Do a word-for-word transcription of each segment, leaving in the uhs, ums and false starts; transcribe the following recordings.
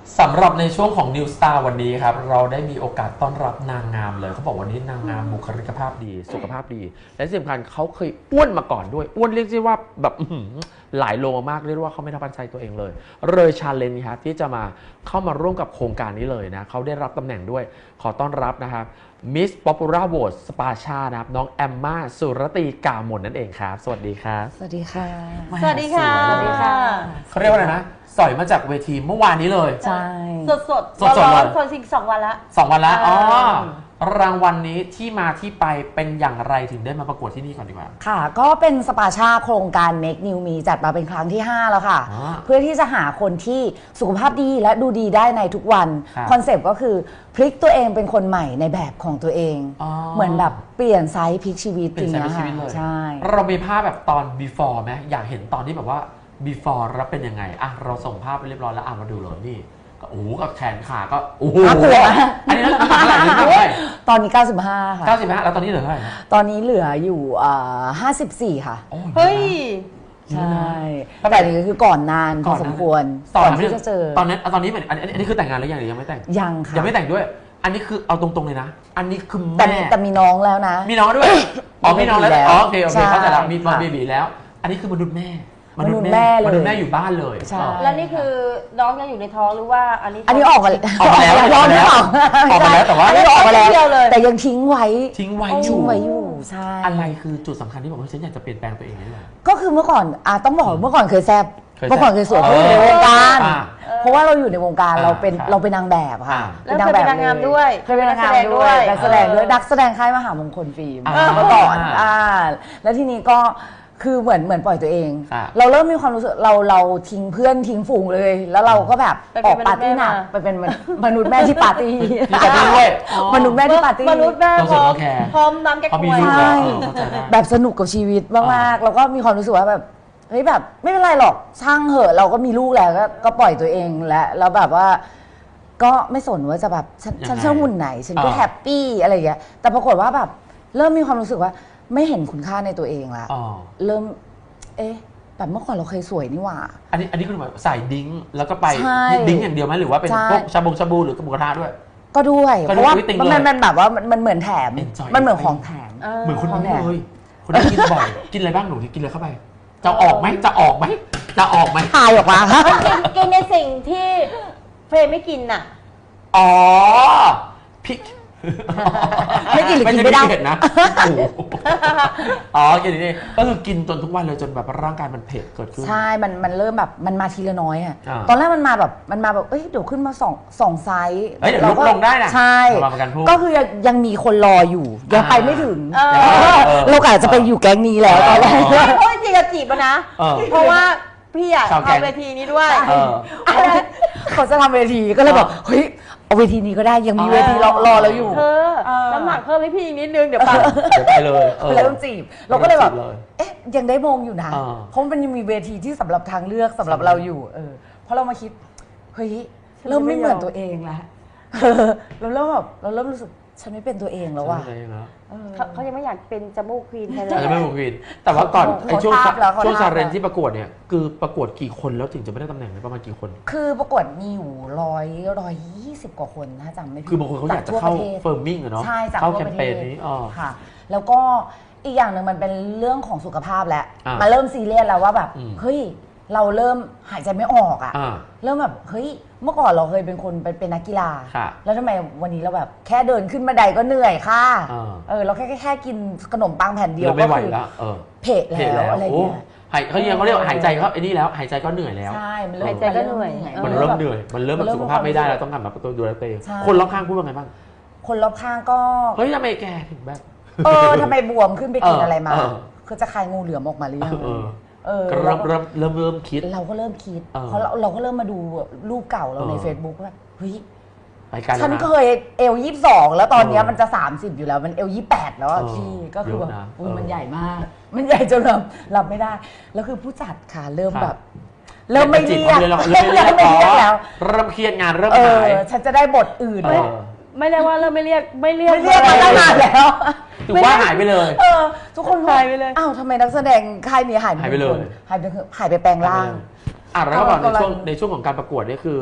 สำหรับในช่วงของ New Star วันนี้ครับเราได้มีโอกาสต้อนรับนางงามเลยเขาบอกวันนี้นางงามบุคลิกภาพดีสุขภาพดีและที่สำคัญเขาเคยอ้วนมาก่อนด้วยอ้วนเรียกได้ว่าแบบหลายโลมากเรียกว่าเขาไม่ทับใจตัวเองเลยเลยชาเลนจ์ครับที่จะมาเข้ามาร่วมกับโครงการนี้เลยนะเขาได้รับตำแหน่งด้วยขอต้อนรับนะครับ Miss Popular Vote สปาชานะครับน้องแอมมาสุรตีกามนนั่นเองครับสวัสดีครับสวัสดีค่ะสวัสดีค่ะสวัสดีค่ะเขาเรียกว่าอะไรนะสอยมาจากเวทีเมื่อวานนี้เลยใช่สดสดสดสดเลยคนสิงสองวันละสองวันแล้วอ๋อรางวัลนี้ที่มาที่ไปเป็นอย่างไรถึงได้มาประกวดที่นี่ก่อนดีกว่าค่ะก็เป็นสปาชาโครงการ Make New Me จัดมาเป็นครั้งที่ห้าแล้วค่ะเพื่อที่จะหาคนที่สุขภาพดีและดูดีได้ในทุกวันคอนเซปต์ก็คือพลิกตัวเองเป็นคนใหม่ในแบบของตัวเองเหมือนแบบเปลี่ยนไซส์พลิกชีวิตจริงๆค่ะใช่เรามีภาพแบบตอน before ไหมอยากเห็นตอนที่แบบว่า before แล้วเป็นยังไงอ่ะเราส่งภาพไปเรียบร้อยแล้วอ่ะมาดูเลยนี่โอ้โหกับแขนขาก็โอ้โหอันนี้น้ำหนักเท่าไหร่เท่าไหร่ตอนนี้เก้าสิบห้าค่ะเก้าสิบห้าแล้วตอนนี้เหลือเท่าไหร่ตอนนี้เหลืออยู่ห้าสิบสี่ค่ะเฮ้ยใช่แต่นี่คือก่อนนานพอสมควรก่อนที่จะเจอตอนนั้นตอนนี้เหมือนอันนี้คือแต่งงานแล้วยังหรือยังไม่แต่งยังค่ะยังไม่แต่งด้วยอันนี้คือเอาตรงๆเลยนะอันนี้คือแม่แต่มีน้องแล้วนะมีน้องด้วยอ๋อมีน้องแล้วอ๋อโอเคโอเคเข้าใจแล้วมีน้องเบบีแล้วอันนี้คือมนุษย์แม่มนุษย์แม่เลยมนุษย์แม่อยู่บ้านเลยใช่แล้วนี่คือน้องยังอยู่ในท้องหรือว่าอันนี้อันนี้ออกมาออกมาแล้วออกมาแล้วออกมาแล้วแต่ว่าออกมาแล้วแต่ยังทิ้งไว้ทิ้งไว้อยู่ทิ้งไว้อยู่ใช่อะไรคือจุดสำคัญที่บอกว่าฉันอยากจะเปลี่ยนแปลงตัวเองนี่แหละก็คือเมื่อก่อนอ่ะต้องบอกเมื่อก่อนเคยแซบเมื่อก่อนเคยสวยเพราะอยู่ในวงการเพราะว่าเราอยู่ในวงการเราเป็นเราเป็นนางแบบค่ะเป็นนางแบบนางงามด้วยเคยเป็นนางงามด้วยนักแสดงด้วยนักแสดงค่ายมหามงคลฟิล์มเมื่อก่อนอ่าแล้วทีนี้ก็คือเหมือนเหมือนปล่อยตัวเองเราเริ่มมีความรู้สึกเราเราทิ้งเพื่อนทิ้งฝูงเลยแล้วเราก็แบบออกปาร์ตี้หนักไปเป็นมนุษย์แม่ที่ปาร์ตี้ด้วยมนุษย์แม่ที่ปาร์ตี้มนุษย์แม่พร้อมพร้อมน้ำแก้ป่วยแบบสนุกกับชีวิตมากๆแล้วก็มีความรู้สึกว่าแบบเฮ้ยแบบไม่เป็นไรหรอกช่างเหอะเราก็มีลูกแล้วก็ปล่อยตัวเองแล้วแล้วแบบว่าก็ไม่สนว่าจะแบบฉันชอบหุ่นไหนฉันก็แฮปปี้อะไรอย่างเงี้ยแต่ปรากฏว่าแบบเริ่มมีความรู้สึกว่าไม่เห็นคุณค่าในตัวเองละเริ่มเอ๊ะแบบเมื่อก่อนเราเคยสวยนี่หว่าอันนี้อันนี้คือแบบใส่ดิ้งแล้วก็ไปดิ้งอย่างเดียวไหมหรือว่าเป็นพวกชาบงชาบูหรือกระบุกระทะด้วยก็ด้วยเพราะว่ามันมันแบบว่ามันเหมือนแถมมันเหมือนของแถมเหมือนคนนี้เลยคนนี้กินบ่อยกินอะไรบ้างหนูกินอะไรเข้าไปจะออกไหมจะออกไหมจะออกไหมถ่ายออกมากินในสิ่งที่เฟรมไม่กินน่ะอ๋อพริกไม่กินหรือกินไม่ได้เผ็ดนะอ๋อกินนี่ก็คือกินจนทุกวันเลยจนแบบร่างกายมันเผ็ดเกิดขึ้นใช่มันมันเริ่มแบบมันมาทีละน้อยอ่ะตอนแรกมันมาแบบมันมาแบบเอ้ยเดี๋ยวขึ้นมาสองสองไซส์เดี๋ยวลดลงได้นะใช่ก็คือยังมีคนรออยู่ยังไปไม่ถึงเราอาจจะไปอยู่แก๊งนี้แล้วตอนแรกเพราะจริงๆจีบนะเพราะว่าพี่อยากทำเวทีนี้ด้วยเขาจะทำเวทีก็เลยบอกเฮ้ยเอาเวทีนี้ก็ได้ยังมีเวทีรอรอเราอยู่เธอน้ำหนักเพิ่มให้พี่อีกนิดนึงเดี๋ยวไปเดี๋ยวไปเลยแล้วต้องจีบเราก็เลยแบบเอ๊ะยังได้มองอยู่นะเพราะมันยังมีเวทีที่สำหรับทางเลือกสำหรับเราอยู่เออเพราะเรามาคิดเฮ้ยเริ่มไม่เหมือนตัวเองแล้วเราเริ่มแบบเราเริ่มรู้สึกฉันไม่เป็นตัวเองแล้วว่ะเขายังไม่อยากเป็นจมูกควีนแทนเลยยังไม่เป็นควีนแต่ว่าก่อนไอ้ช่วงช่วงชาเรนที่ประกวดเนี่ยคือประกวดกี่คนแล้วถึงจะไม่ได้ตำแหน่งประมาณกี่คนคือประกวดมีอยู่ร้อยร้อยยี่สิบกว่าคนถ้าจำไม่ผิดคือบางคนเขาอยากจะเข้าเฟิร์มมิ่งอะเนาะเข้าแคมเปญนี้อ๋อค่ะแล้วก็อีกอย่างหนึ่งมันเป็นเรื่องของสุขภาพแล้วมาเริ่มซีเรียสแล้วว่าแบบเฮ้ยเราเริ่มหายใจไม่ออกอ่ะเริ่มแบบเฮ้ยเมื่อก่อนเราเคยเป็นคนเป็นนักกีฬาแล้วทำไมวันนี้เราแบบแค่เดินขึ้นบันไดก็เหนื่อยค่ะเออเราแค่แค่กินขนมปังแผ่นเดียวก็คือเพะแล้วอะไรเงี้ยหายเขายังเขาเรียกหายใจเขาไอ้นี่แล้วหายใจก็เหนื่อยแล้วใช่มันหายใจก็เหนื่อยมันเริ่มเหนื่อยมันเริ่มแบบสุขภาพไม่ได้แล้วต้องกลับมาตัวดูแลตัวเองคนรอบข้างพูดว่าไงบ้างคนรอบข้างก็เฮ้ยทำไมแกถึงแบบเออทำไมบวมขึ้นไปกินอะไรมาคือจะคลายงูเหลือมออกมาหรือยังเริ่มเริ่มเริ่มเริ่มคิดเราก็เริ่มคิดเพราะเราเราก็เริ่มมาดูรูปเก่าเราใน Facebook ว่าเฮ้ยฉันเคยเอลยี่สิบสองแล้วตอนนี้มันจะสามสิบอยู่แล้วมันเอลยี่สิบแปดแล้วพี่ก็คือแบบมันใหญ่มากมันใหญ่จนแบบรับไม่ได้แล้วคือผู้จัดค่ะเริ่มแบบเริ่มไม่เรียกเริ่มไม่เรียกแล้วเริ่มเครียดงานเริ่มหายฉันจะได้บทอื่นไม่ได้ว่าเริ่มไม่เรียกไม่เรียกไม่เรียกมาตั้งนานแล้วถือว่าหายไปเลยทุกคนหายไปเลยอ้าวทำไมนักแสดงค่ายนี้หายไปเลยหายไปหายไปแปลงร่างอ่ะแล้วก็บอกในช่วงในช่วงของการประกวดนี่คือ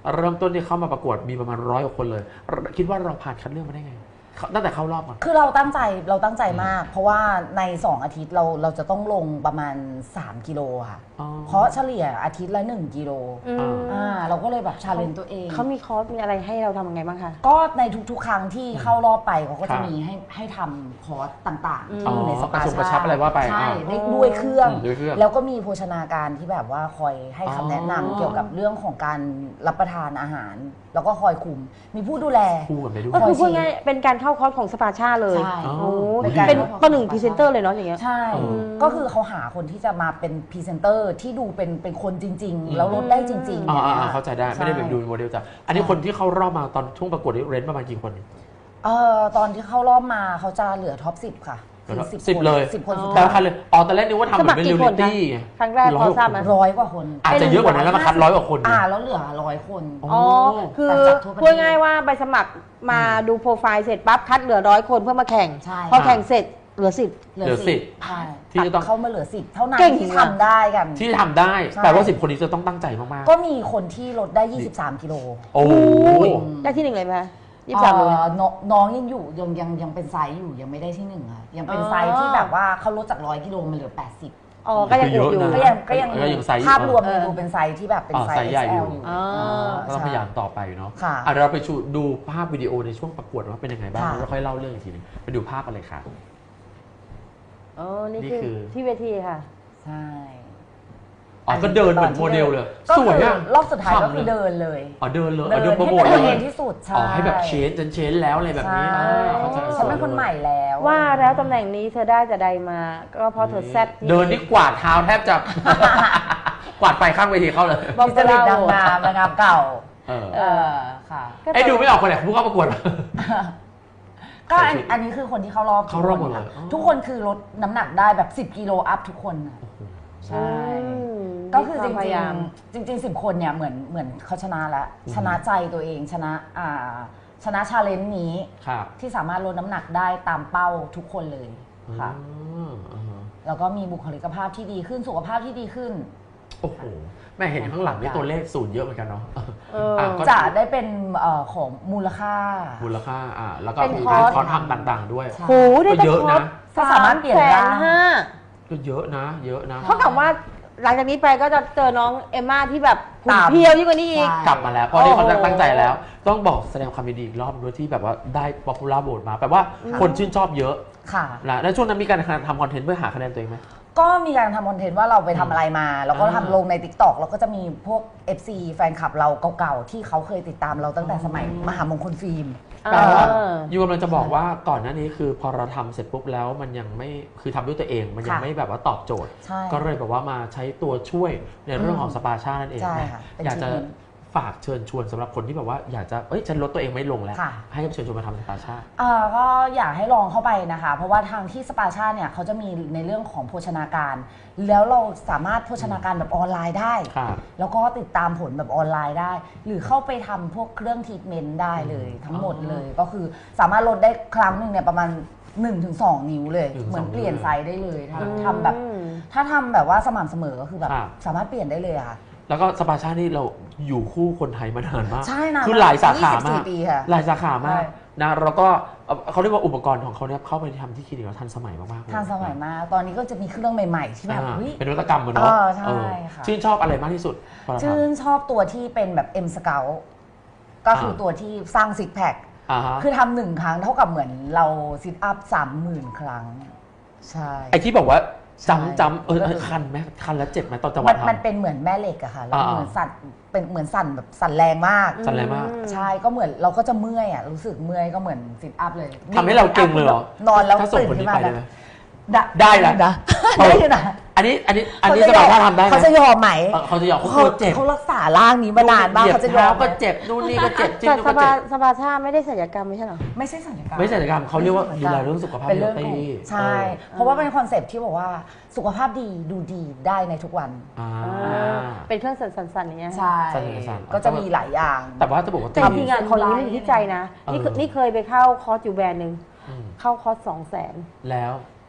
เริ่มต้นที่เข้ามาประกวดมีประมาณร้อยกว่าคนเลย คิดว่าเราผ่านคัดเลือกมาได้ไงตั้งแต่เข้ารอบอ่ะคือเราตั้งใจเราตั้งใจมาก เพราะว่าในสองอาทิตย์เราเราจะต้องลงประมาณสามกิโลค่ะเพราะเฉลี่ยอาทิตย์ละหนึ่งกิโลอ่าเราก็เลยแบบชาเลนจ์ตัวเองเขามีคอร์สมีอะไรให้เราทำยังไงบ้างคะก็ในทุกๆครั้งที่เข้ารอบไปเขาก็จะมีให้ให้ทำคอร์สต่างๆที่อยู่ในสปาชาอะไรว่าไปใช่ด้วยเครื่องแล้วก็มีโภชนาการที่แบบว่าคอยให้คำแนะนำเกี่ยวกับเรื่องของการรับประทานอาหารแล้วก็คอยคุมมีผู้ดูแลก็คือพูดง่ายเป็นการเข้าคอร์สของสปาชาเลยโอ้เป็นประหนึ่งพรีเซนเตอร์เลยเนาะอย่างเงี้ยใช่ก็คือเขาหาคนที่จะมาเป็นพรีเซนเตอร์ที่ดูเป็นเป็นคนจริงๆแล้วลดได้จริงๆอ่าเข้าใจได้ไม่ได้แบบดูโมเดลจ้ะอันนี้คนที่เข้ารอบมาตอนช่วงประกวดเรนประมาณกี่คนเอ่อตอนที่เข้ารอบมาเขาจะเหลือท็อปสิบค่ะสิบเลยสิบคนสุดท้ายเลยอ๋อตอนแรกนึกว่าทำเหมือนเป็นเรียลลิตี้ครั้งแรกพอทราบไหมร้อยกว่าคนอาจจะเยอะกว่านั้นแล้วมาคัดร้อยกว่าคนอ่าแล้วเหลือร้อยคนอ๋อคือพูดง่ายว่าใบสมัครมาดูโปรไฟล์เสร็จปั๊บคัดเหลือร้อยคนเพื่อมาแข่งพอแข่งเสร็จเหลือสิบเหลือสิบใช่ที่จะต้องเข้ามาเหลือสิบเท่านั้นที่ทำได้กันที่ทำได้แต่ว่าสิบคนนี้จะต้องตั้งใจมากๆก็มีคนที่ลดได้ยี่สิบสามกิโลโอ้ได้ที่หนึ่งเลยไหมยี่สิบสามเลยน้องยังอยู่ยังยังยังเป็นไซส์อยู่ยังไม่ได้ที่หนึ่งอ่ะยังเป็นไซส์ที่แบบว่าเขาลดจากร้อยกิโลมาเหลือแปดสิบอ๋อก็ยังอยู่ก็ยังก็ยังภาพรวมดูเป็นไซส์ที่แบบเป็นไซส์ใหญ่อยู่ก็ต้องพยายามต่อไปเนาะอ่ะเราไปดูภาพวิดีโอในช่วงประกวดว่าเป็นยังไงบ้างแล้วค่อยเล่าเรื่องอีกทีนึงไปดูภาพอะไรค่ะอ๋อนี่คือที่เวทีค่ะใช่อ๋อก็เดินเหมือนโมเดลเลยสวยอ่ะรอบสุดท้ายก็คือเดินเลยอ๋อเดินเลยเดินโปรโมทเลยที่สุดใช่อ๋อให้แบบเชนจนเชนแล้วอะไรแบบนี้ฉันเป็นคนใหม่แล้วว่าแล้วตำแหน่งนี้เธอได้แต่ใดมาก็เพราะเธอแซ่บเดินนี่กวาดเท้าแทบจะกวาดไปข้างเวทีเข้าเลยบอกจะลิดดังงามงามเก่าเออค่ะไอ้ดูไม่ออกคนไหนผู้เข้าประกวดก็อันนี้คือคนที่เข้ารอบเข้ารอบหมดเลยทุกคนคือลดน้ำหนักได้แบบสิบกิโลอัพทุกคนใช่ก็คือจริงจริงจริงสิบคนเนี่ยเหมือนเหมือนเขาชนะแล้วชนะใจตัวเองชนะอ่าชนะชาเลนจ์นี้ที่สามารถลดน้ำหนักได้ตามเป้าทุกคนเลยค่ะแล้วก็มีบุคลิกภาพที่ดีขึ้นสุขภาพที่ดีขึ้นโอ้โหแม่เห็นข้างหลังนี่ตัวเลขศูนย์เยอะเหมือนกันเนาะจะได้เป็นของมูลค่ามูลค่าอ่าแล้วก็มีการคอร์สทำต่างๆด้วยโหได้เยอะนะสามารถเปลี่ยนได้ก็เยอะนะเยอะนะเท่ากับว่าหลังจากนี้ไปก็จะเจอน้องเอมม่าที่แบบหุ่นเพียวยิ่งกว่านี้อีกกลับมาแล้วเพราะนี่เขาตั้งใจแล้วต้องบอกแสดงความยินดีอีกรอบด้วยที่แบบว่าได้ป๊อปปูล่าโหวตมาแปลว่าคนชื่นชอบเยอะค่ะแล้วช่วงนั้นมีการทำคอนเทนต์เพื่อหาคะแนนตัวเองไหมก็มีการทำคอนเทนต์ว่าเราไปทำอะไรมาแล้วก็ทำลงใน ติ๊กต็อก แล้วก็จะมีพวก เอฟ ซี แฟนคลับเราเก่าๆที่เขาเคยติดตามเราตั้งแต่สมัยมหามงคลฟิล์มแต่ว่ายูกำลังจะบอกว่าก่อนหน้านี้คือพอเราทำเสร็จปุ๊บแล้วมันยังไม่คือทำด้วยตัวเองมันยังไม่แบบว่าตอบโจทย์ก็เลยแบบว่ามาใช้ตัวช่วยในเรื่องของสปาชานั่นเองอยากจะฝากเชิญชวนสำหรับคนที่แบบว่าอยากจะเอ้ยฉันลดตัวเองไม่ลงแล้วให้เชิญชวนมาทำสปาชาก็อยากให้ลองเข้าไปนะคะเพราะว่าทางที่สปาชาเนี่ยเขาจะมีในเรื่องของโภชนาการแล้วเราสามารถโภชนาการแบบออนไลน์ได้แล้วก็ติดตามผลแบบออนไลน์ได้หรือเข้าไปทำพวกเครื่องทรีทเมนต์ได้เลยทั้งหมดเลยก็คือสามารถลดได้ครั้งหนึ่งเนี่ยประมาณ หนึ่งถึงสอง นิ้วเลยเหมือนเปลี่ยนไซส์ได้เลยทำแบบถ้าทำแบบว่าสม่ำเสมอก็คือแบบสามารถเปลี่ยนได้เลยค่ะแล้วก็สปาชานี่เราอยู่คู่คนไทยมานานมากใช่นะคือหลายสาขามากหลายสาขามากนะแล้วก็เขาเรียกว่าอุปกรณ์ของเขาเนี่ยเข้าไปทำที่คลินิกแล้วทันสมัยมากๆทันสมัยมากตอนนี้ก็จะมีเครื่องใหม่ๆที่แบบเป็นนวัตกรรมเนาะใช่ค่ะชื่นชอบอะไรมากที่สุดชื่นชอบตัวที่เป็นแบบ M Scout ก็คือตัวที่สร้างซิกแพคคือทำหนึ่งครั้งเท่ากับเหมือนเราซิทอัพสามหมื่นครั้งใช่ไอที่บอกว่าจำจำเออคันไหมคันแล้วเจ็บไหมตอนจังหวะทำมันเป็นเหมือนแม่เหล็กอะค่ะแล้วเหมือนสั่นเป็นเหมือนสั่นแบบสั่นแรงมากสั่นแรงมากใช่ก็เหมือนเราก็จะเมื่อยอะรู้สึกเมื่อยก็เหมือนซิทอัพเลยทำให้เราเก่งเลยเหรอนอนแล้วตื่นขึ้นมาแบบได้แล้วนะได้นะอันนี้อันนี้อันนี้สบายถ้าทำได้เขาจะยอมไหมเขาจะยอมเขาเจ็บเขารักษาร่างนี้มานานมากเขาจะยอมก็เจ็บนู่นนี่ก็เจ็บจิ้มก็เจ็บสปาชาไม่ได้ศัลยกรรมไม่ใช่หรอไม่ใช่ศัลยกรรมไม่ใช่ศัลยกรรมเขาเรียกว่าดูแลเรื่องสุขภาพเป็นเรื่องใช่เพราะว่าเป็นคอนเซ็ปต์ที่บอกว่าสุขภาพดีดูดีได้ในทุกวันเป็นเครื่องสั่นๆอย่างเงี้ยใช่ก็จะมีหลายอย่างแต่ว่าจะบอกว่าจริงๆอ่ะคนนี้มันอยู่ที่ใจนะนี่นี่เคยไปเข้าคอร์สอยู่แบรนด์นึงเข้าคอร์สสองแสนแล้ว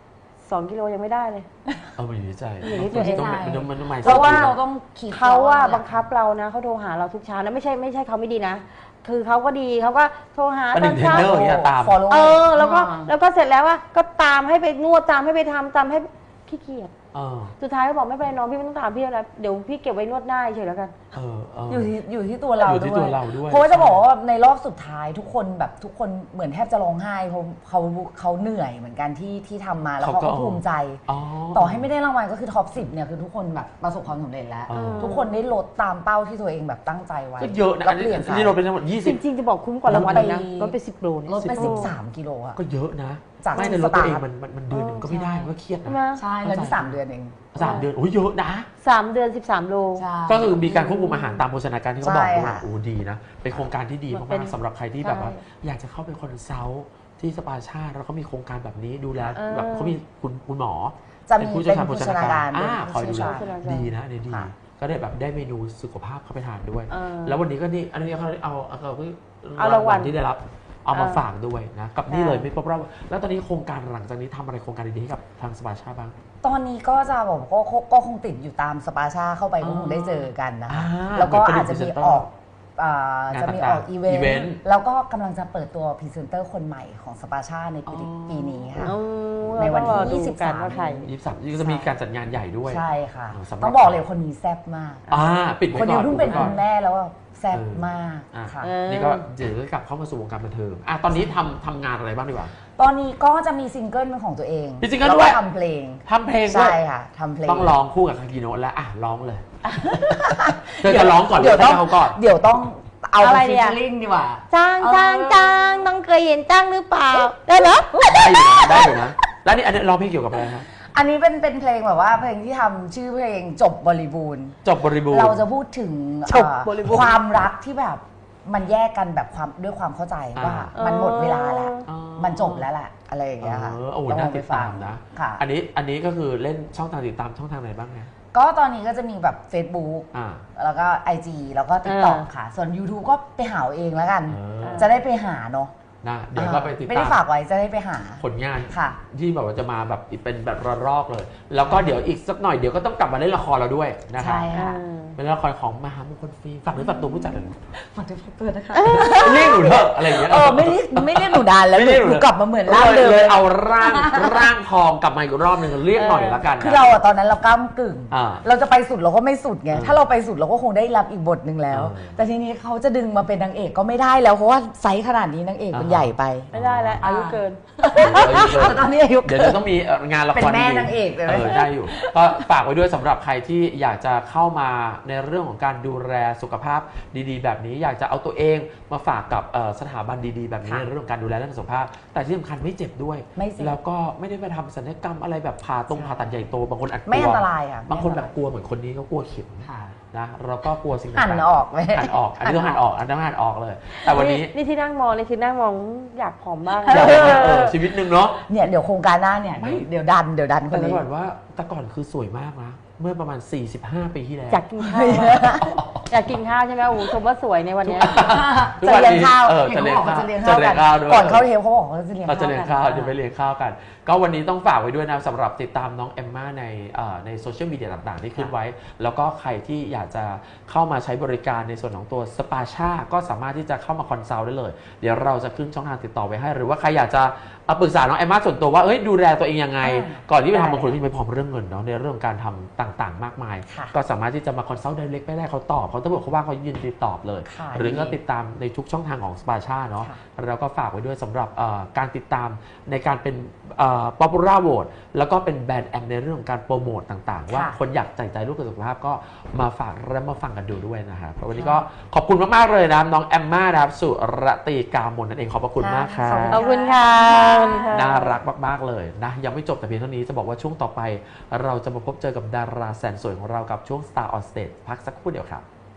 สองกิโลยังไม่ได้เลยเออมันอยู่ที่ใจอยู่ที่ตัวเองมันมันมันมันเพราะว่าเราต้องคิดเขาว่าแหละบังคับเรานะเขาโทรหาเราทุกเช้านะไม่ใช่ไม่ใช่เขาไม่ดีนะ คือเขาก็ดีเขาก็โทรหาเป็นตหอนึ่นงเทรนเช้าเนอร์อย่างเงี้ยตาม follow เออแล้วก็อ่าแล้วก็เสร็จแล้วว่าก็ตามให้ไปนวดตามให้ไปทำตามให้ขี้เกียจเออสุดท้ายก็บอกไม่เป็นไรน้องพี่ไม่ต้องตามพี่แล้วเดี๋ยวพี่เก็บไว้นวดหน้าเฉยแล้วกันเออเอออยู่ที่อยู่ที่ตัวเราอยู่ที่ตัวเราด้วยเพราะว่าจะบอกว่าในรอบสุดท้ายทุกคนแบบทุกคนเหมือนแทบจะร้องไห้เพราะเขาเขาเหนื่อยเหมือนกันที่ที่ทำมาแล้วเขาก็ภูมิใจอ๋อต่อให้ไม่ได้รางวัลก็คือท็อปสิบเนี่ยคือทุกคนแบบประสบความสำเร็จแล้วเออทุกคนได้ลดตามเป้าที่ตัวเองแบบตั้งใจไว้ก็เยอะนะแล้อัวน เปนี้ลี่ยนอันนี้เราเป็นทั้งหมดยี่จสิบริงๆจะบอกคุ้มกว่ารางวัลเลยนะลดไปลดไปสิบโลเนี่ยลดไปโสิบสามกิโลอะก็เยอะนะจากไม่ในรถตัวเองสตาร์ทมันมันมันเดือนหนึ่งก็ไม่ได้มันก็เครียดใช่ไหมนะใช่แล้วที่สามเดือนเองสามเดือนโอ้ยเยอะนะสามเดือนสิบสามโลใช่ก็คือมีการควบคุมอาหารตามโภชนาการที่เขาบอกด้วยใช่ค่ะโอ้ดีนะ เป็นโครงการที่ดีมันเป็มากนๆสำหรับใครที่แบบว่าใช่อยากจะเข้าไปคอนซัลท์ที่สปาชาติแล้วก็มีโครงการแบบนี้ดูแลเออแบบเขามีคุณคุณหมอจะมีผู้เป็นชี่ยวชาญโภชนาการอ่าคอยดูแลโภชนาการดีนะอันนี้ดีค่ะก็ได้แบบได้เมนูสุขภาพเข้าไปทานด้วยเออแล้ววันนี้ก็นี่อันนี้เขาเอาเอาเอาเอารางวัลที่ได้รับเอามาเออฝากด้วยนะกับนี่ใช่เลยไม่ครบรอบแล้วตอนนี้โครงการหลังจากนี้ทำอะไรโครงการดีๆให้กับทางสปาชาบ้างตอนนี้ก็จะบอกก็ก็ก็คงติดอยู่ตามสปาชาเข้าไปอ๋ก็อคงได้เจอกันนะคะอ่าแล้วก็เหมือนเป็นอาจจะมีพรีเซนเตอร์ออกอ่างานจะมีอต่างๆอกอีเวนอีเวนต์ต์แล้วก็กำลังจะเปิดตัวพรีเซนเตอร์คนใหม่ของสปาชาในปีอ๋อปีนี้ค่ะอืมในวันที่เราต้องรอดูยี่สิบสามกันว่าใครยี่สิบสามก็จะมีการจัดงานใหญ่ด้วยใช่ค่ะอ่าสำหรับต้องบอกเลยคนนี้แซ่บมากอ่าปิดไว้คนก่นี้อนเพิ่งเป็นปิดไว้คุก่อนณแม่แล้วว่าแซ่บเออมากอ่ะค่ะเออนี่ก็เดี๋ยวจะกลับเข้ามาสู่วงการบันเทิงอ่ะตอนนี้ทำทำงานอะไรบ้างดีกว่าตอนนี้ก็จะมีซิงเกิลเป็นของตัวเองมีซิงเกิลแวด้วยทำเพลงทำเพลงด้วใช่ยค่ะทำเพลงต้องร้องคู่กับคากิโนะแล้วอ่ะร้องเลยเธอจะร้องก่อนหรือเดี๋ยวให้ต้องเขาก่อนเดี๋ยวต้องเอาอะไรฟิเนี่ชยเชอร์ลิงดีกว่าจ้างเออจ้างจ้างน้องเคยเห็นจ้างหรือเปล่า ได้เหรอได้อยู่นะได้อยู่นะแล้วนี่อันนี้ร้องเพลงเกี่ยวกับอะไรฮะอันนี้เป็นเป็นเพลงแบบว่าเพลงที่ทำชื่อเพลงจบบริบูรณ์จบบริบูรณ์เราจะพูดถึงจบบริบูรณ์เอ่อความรักที่แบบมันแยกกันแบบความด้วยความเข้าใจว่าอ่ามันหมดเวลาแล้วอ๋อมันจบแล้วแหละอะไรอย่างเงี้ยค่ะเออโอ้โหต้งน่าลงไปติดตามนะค่ะอันนี้อันนี้ก็คือเล่นช่องทางติดตามช่องทางไหนบ้างไงก็ตอนนี้ก็จะมีแบบ Facebook อ่าแล้วก็ ไอ จี แล้วก็ TikTok เออค่ะ ส่วน YouTube ก็ไปหาเอาเองแล้วกันเออจะได้ไปหาเนาะนะเดี๋ยวก็ไปติดไม่ตาได้มฝากไว้จะได้ไปหาผลงานค่ะที่แบบว่าจะมาแบบเป็นแบบระลอกเลย แล้วก็เดี๋ยวอีกสักหน่อยเดี๋ยวก็ต้องกลับมาเล่นละครเราด้วยนะครับใช่ค่ะเป็นละครของมหามงคลฟิล์มฝากหรือฝากตัวผู้จัดเลยฝากด้วยฝากตัวนะคะเรียกหนูเถอะอะไรอย่างเงี้ยเออไม่เรียกไม่เรียกหนูดานแล้วไม่เรียกหนูหนูกลับมาเหมือนร่างเดิมเลยเอาร่างร่างทองกลับมาอีกรอบหนึ่งเรียกหน่อยละกันนะคือเราอะตอนนั้นเราก้ามกึ่งอ่าเราจะไปสุดเราก็ไม่สุดไงเออถ้าเราไปสุดเราก็คงได้รับอีกบทหนึ่งแล้วเออแต่ทีนี้เขาจะดึงมาเป็นนางเอกก็ไม่ได้แล้วเพราะว่าไซส์ขนาดนี้นางเอกมันอ่าใหญ่ไปไม่ได้แล้วอายุเกินตอนนี้อายุเดี๋ยวจะต้องมีงานละครเป็นแม่ดีๆนางเอกเลยไหมเออได้อยู่ ก็ฝากไว้ด้วยสำหรับใครที่อยากจะเข้ามาในเรื่องของการดูแลสุขภาพดีๆ แบบนี้ อยากจะเอาตัวเองมาฝากกับเอ่อสถาบันดีๆ แบบนี้ค่ะในเรื่องของการดูแลเรื่องสุขภาพ แต่ที่สำคัญไม่เจ็บด้วยไม่เจ็บแล้วก็ไม่ได้ไปทำศัลยกรรมอะไรแบบผ่าตรงผ่าตัดใหญ่โตบางคนอาจกลัวไม่อันตรายค่ะบางคนแบบกลัวเหมือนคนนี้เขากลัวเข็มค่ะนะเราก็กลัวสิ่งหันต่างๆออกไหมหันออกอันนี้ต้องหันออกอันนี้ต้องหันออกเลย แต่วันนี้นี่ที่นั่งมองนี่คือนั่งมองอยากผอมบ้างอยากให้เออชีวิตหนึ่งเนาะเนี่ยเดี๋ยวโครงการหน้าเนี่ยไม่เดี๋ยวดันเดี๋ยวดันคแต่นจะนี้บอกว่าแต่ก่อนคือสวยมากนะ เมื่อประมาณ สี่สิบห้า ปีที่แล้วอยากกินข้าวอยากกินข้าวใช่ไหมโอ้โหชมว่าสวยในวันเนี้ยทุกจะวันเลี้ยงนี้ข้าวเออเห็นจะเลี้ยงเขาบอกข้าวว่าจะเลี้ยงจะข้าวเลี้กัยนงข้าวด้วยก่อนเข้าเทปเขาบอกว่าจะเลี้ยงเราข้าวจะเลี้ยงกันข้าวเดี๋ยวไปเลี้ยงข้าวกัน ก็วันนี้ต้องฝากไว้ด้วยนะสำหรับติดตามน้องเอมม่าในเอ่อในโซเชียลมีเดียต่างๆ ที่ขึ้นไว้ แล้วก็ใครที่อยากจะเข้ามาใช้บริการในส่วนของตัวสปาชาก็สามารถที่จะเข้ามาคอนซัลท์ได้เลย เดี๋ยวเราจะขึ้นช่องทางติดต่อไว้ให้ หรือว่าใครอยากจะเอาปรึกษาน้องเอมม่าส่วนตัวว่าเอ้ยดูแลตัวเองยังไง ก่อนที่ไปทำบางคนที่ไม่พร้อมเรื่องเงินเนาะในเรื่องการทำต่างๆ มากมายค่ะก็สามารถที่จะมาคอนซัลท์ไดเรกไปได้เขาตอบเขาถ้าบอกเขาว่าเขายินดีตอบเลยค่ะหรือก็ติดตามในทุกช่องทางของสปาชาเนาะค่ะแล้วก็ฝากไว้ด้วยสำหรับเอ่อการติดตามในการเป็นป๊อปปูล่าโหวตแล้วก็เป็นแบรนด์แอมในเรื่องของการโปรโมตต่างๆ ว่าค่ะคนอยากใส่ใจลูกกับสุขภาพก็มาฝากและมาฟังกันดูด้วยนะครับวันนี้ก็ขอบคุณมากๆเลยนะน้องแอมม่านะครับสุรตีกามนนั่นเองขอบพระคุณมากครับขอบคุณค่ะขอบคุณค่ะน่ารักมากๆเลยนะยังไม่จบแต่เพียงเท่านี้จะบอกว่าช่วงต่อไป เราจะมาพบเจอกับดาราแสนสวยของเรากับช่วง Star on Stage พักสักครู่เดียวครับ